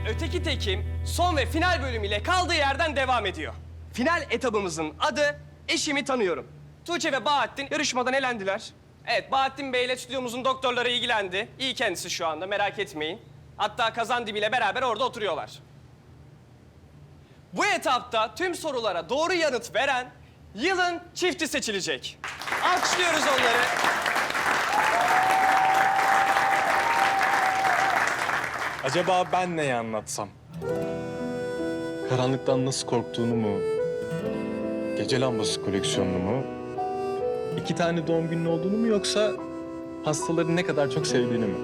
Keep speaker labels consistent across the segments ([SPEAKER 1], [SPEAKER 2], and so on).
[SPEAKER 1] Öteki Tekim son ve final bölümüyle kaldığı yerden devam ediyor. Final etabımızın adı Eşimi Tanıyorum. Tuğçe ve Bahattin yarışmadan elendiler. Evet, Bahattin Bey ile stüdyomuzun doktorları ilgilendi. İyi kendisi şu anda, merak etmeyin. Hatta Kazan Dibi'yle beraber orada oturuyorlar. Bu etapta tüm sorulara doğru yanıt veren yılın çifti seçilecek. Alkışlıyoruz onları.
[SPEAKER 2] Acaba ben neyi anlatsam? Karanlıktan nasıl korktuğunu mu? Gece lambası koleksiyonunu mu? 2 tane doğum günün olduğunu mu yoksa hastaları ne kadar çok sevdiğini mi?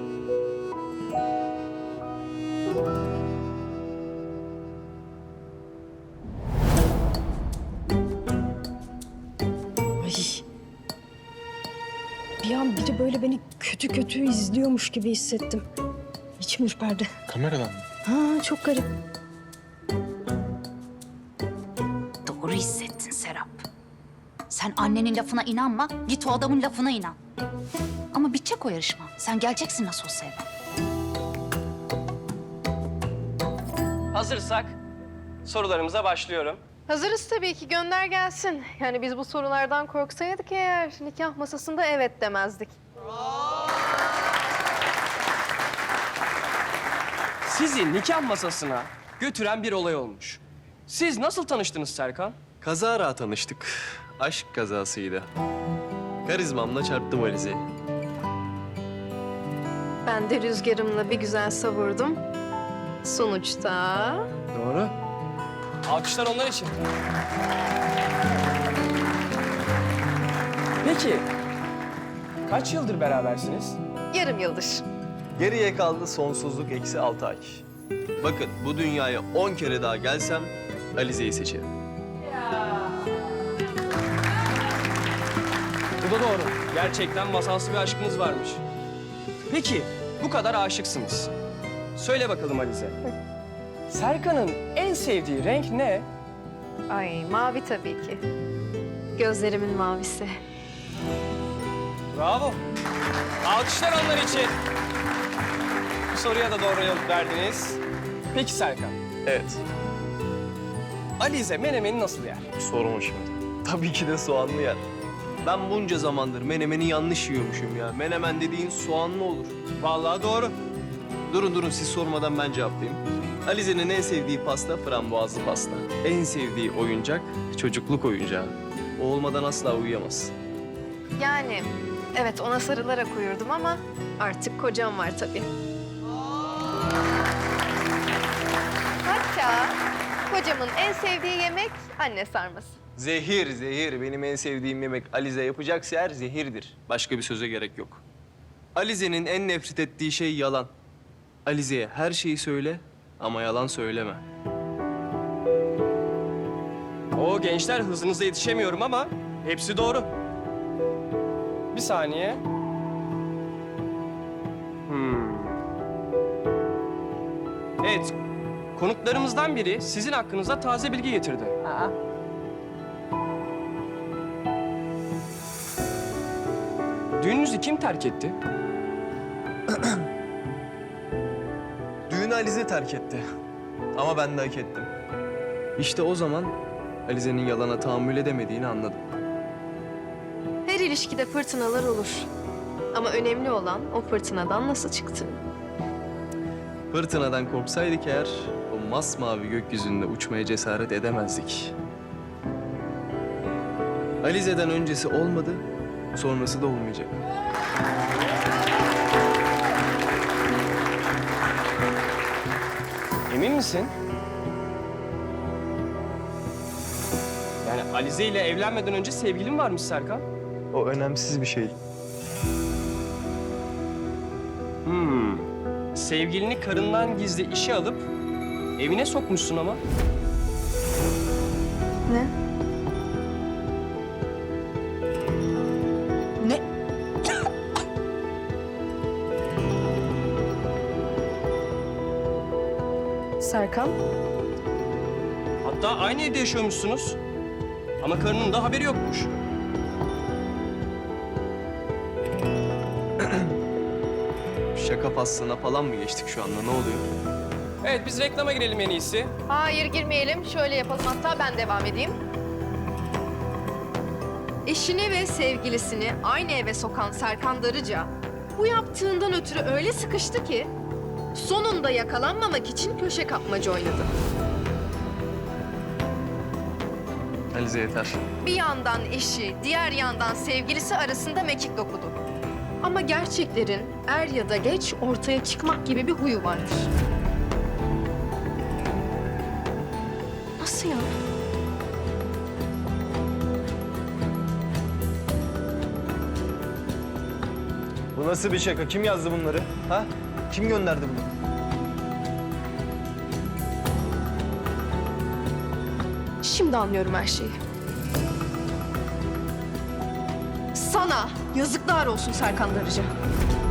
[SPEAKER 3] Ay. Bir an biri böyle beni kötü kötü izliyormuş gibi hissettim. İçim ürperdi.
[SPEAKER 2] Kameradan mı?
[SPEAKER 3] Ha, çok garip.
[SPEAKER 4] Doğru hissettin Serap. Sen annenin lafına inanma, git o adamın lafına inan. Ama bitecek o yarışma. Sen geleceksin nasıl olsa eve.
[SPEAKER 1] Hazırsak sorularımıza başlıyorum.
[SPEAKER 5] Hazırız tabii ki, gönder gelsin. Yani biz bu sorulardan korksaydık eğer nikah masasında evet demezdik.
[SPEAKER 1] Sizi nikah masasına götüren bir olay olmuş. Siz nasıl tanıştınız Serkan?
[SPEAKER 6] Kazara tanıştık. Aşk kazasıydı. Karizmamla çarptım Alize'yi.
[SPEAKER 5] Ben de rüzgarımla bir güzel savurdum. Sonuçta...
[SPEAKER 1] Doğru. Alkışlar onlar için. Peki, kaç yıldır berabersiniz?
[SPEAKER 5] yarım yıldır.
[SPEAKER 6] Geriye kaldı sonsuzluk eksi 6 ay. Bakın bu dünyaya 10 kere daha gelsem Alize'yi seçerim.
[SPEAKER 1] Bu da doğru. Gerçekten masalsı bir aşkınız varmış. Peki, bu kadar aşıksınız. Söyle bakalım Alize. Serkan'ın en sevdiği renk ne?
[SPEAKER 5] Ay, mavi tabii ki. Gözlerimin mavisi.
[SPEAKER 1] Bravo. Alkışlar onlar için. Bu soruya da doğru yanıt verdiniz. Peki Serkan,
[SPEAKER 6] Evet,
[SPEAKER 1] Alize menemeni nasıl yer?
[SPEAKER 6] sorma şimdi. Tabii ki de soğanlı yer. Ben bunca zamandır menemeni yanlış yiyormuşum ya. Menemen dediğin soğanlı olur.
[SPEAKER 1] Vallahi doğru.
[SPEAKER 6] Durun siz sormadan ben cevaplayayım. Alize'nin en sevdiği pasta frambuazlı pasta. En sevdiği oyuncak çocukluk oyuncağı. O olmadan asla uyuyamaz.
[SPEAKER 5] Yani evet, ona sarılarak uyurdum ama artık kocam var tabii. Hatta kocamın en sevdiği yemek anne sarması.
[SPEAKER 6] Zehir. Benim en sevdiğim yemek Alize yapacaksa eğer zehirdir. Başka bir söze gerek yok. Alize'nin en nefret ettiği şey yalan. Alize'ye her şeyi söyle ama yalan söyleme.
[SPEAKER 1] O gençler, hızınıza yetişemiyorum ama hepsi doğru. Bir saniye. Evet, konuklarımızdan biri sizin hakkınızda taze bilgi getirdi. Düğününüzü kim terk etti?
[SPEAKER 6] Düğünü Alize terk etti. Ama ben de hak ettim. İşte o zaman Alize'nin yalana tahammül edemediğini anladım.
[SPEAKER 5] Her ilişkide fırtınalar olur. Ama önemli olan o fırtınadan nasıl çıktığın.
[SPEAKER 6] Fırtınadan korksaydık eğer o masmavi gökyüzünde uçmaya cesaret edemezdik. Alize'den öncesi olmadı, sonrası da olmayacak.
[SPEAKER 1] Emin misin? Yani Alize ile evlenmeden önce sevgilin varmış Serkan.
[SPEAKER 6] O önemsiz bir şey.
[SPEAKER 1] Sevgilini karından gizli işe alıp evine sokmuşsun ama.
[SPEAKER 5] Ne?
[SPEAKER 4] Ne?
[SPEAKER 5] Serkan?
[SPEAKER 1] Hatta aynı evde yaşıyormuşsunuz. Ama karının da haberi yokmuş.
[SPEAKER 6] Şaka faslına falan mı geçtik şu anda? Ne oluyor?
[SPEAKER 1] Evet, biz reklama girelim en iyisi.
[SPEAKER 5] Hayır girmeyelim. Şöyle yapalım, hatta ben devam edeyim. Eşini ve sevgilisini aynı eve sokan Serkan Darıca bu yaptığından ötürü öyle sıkıştı ki sonunda yakalanmamak için köşe kapmaca oynadı.
[SPEAKER 6] Alize yeter.
[SPEAKER 5] Bir yandan eşi, diğer yandan sevgilisi arasında mekik dokudu. Ama gerçeklerin er ya da geç ortaya çıkmak gibi bir huyu vardır. Nasıl ya?
[SPEAKER 6] Bu nasıl bir şaka? Kim yazdı bunları? Ha? Kim gönderdi bunu?
[SPEAKER 5] Şimdi anlıyorum her şeyi. Sana yazıklar olsun Serkan Darıca.